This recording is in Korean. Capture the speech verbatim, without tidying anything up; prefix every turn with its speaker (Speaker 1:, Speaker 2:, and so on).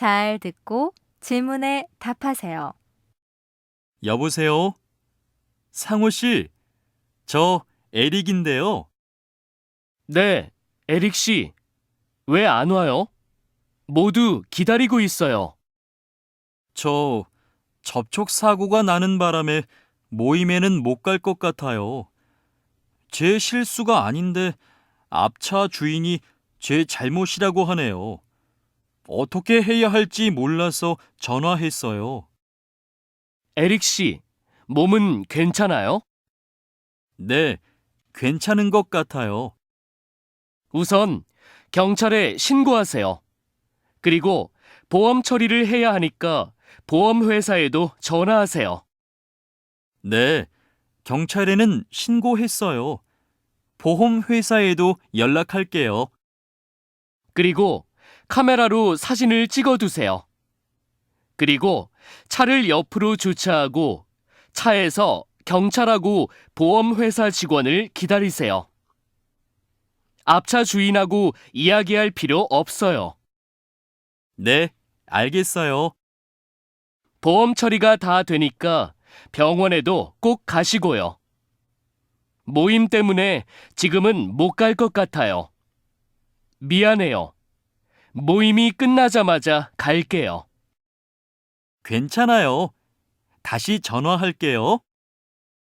Speaker 1: 잘 듣고 질문에 답하세요.
Speaker 2: 여보세요? 상호 씨, 저 에릭인데요.
Speaker 3: 네, 에릭 씨. 왜 안 와요? 모두 기다리고 있어요.
Speaker 2: 저 접촉 사고가 나는 바람에 모임에는 못 갈 것 같아요. 제 실수가 아닌데 앞차 주인이 제 잘못이라고 하네요. 어떻게 해야 할지 몰라서 전화했어요.
Speaker 3: 에릭 씨, 몸은 괜찮아요?
Speaker 2: 네, 괜찮은 것 같아요.
Speaker 3: 우선 경찰에 신고하세요. 그리고 보험 처리를 해야 하니까 보험회사에도 전화하세요.
Speaker 2: 네, 경찰에는 신고했어요. 보험회사에도 연락할게요.
Speaker 3: 그리고 카메라로 사진을 찍어두세요. 그리고 차를 옆으로 주차하고 차에서 경찰하고 보험회사 직원을 기다리세요. 앞차 주인하고 이야기할 필요 없어요.
Speaker 2: 네, 알겠어요.
Speaker 3: 보험 처리가 다 되니까 병원에도 꼭 가시고요. 모임 때문에 지금은 못 갈 것 같아요. 미안해요. 모임이 끝나자마자 갈게요.
Speaker 2: 괜찮아요. 다시 전화할게요.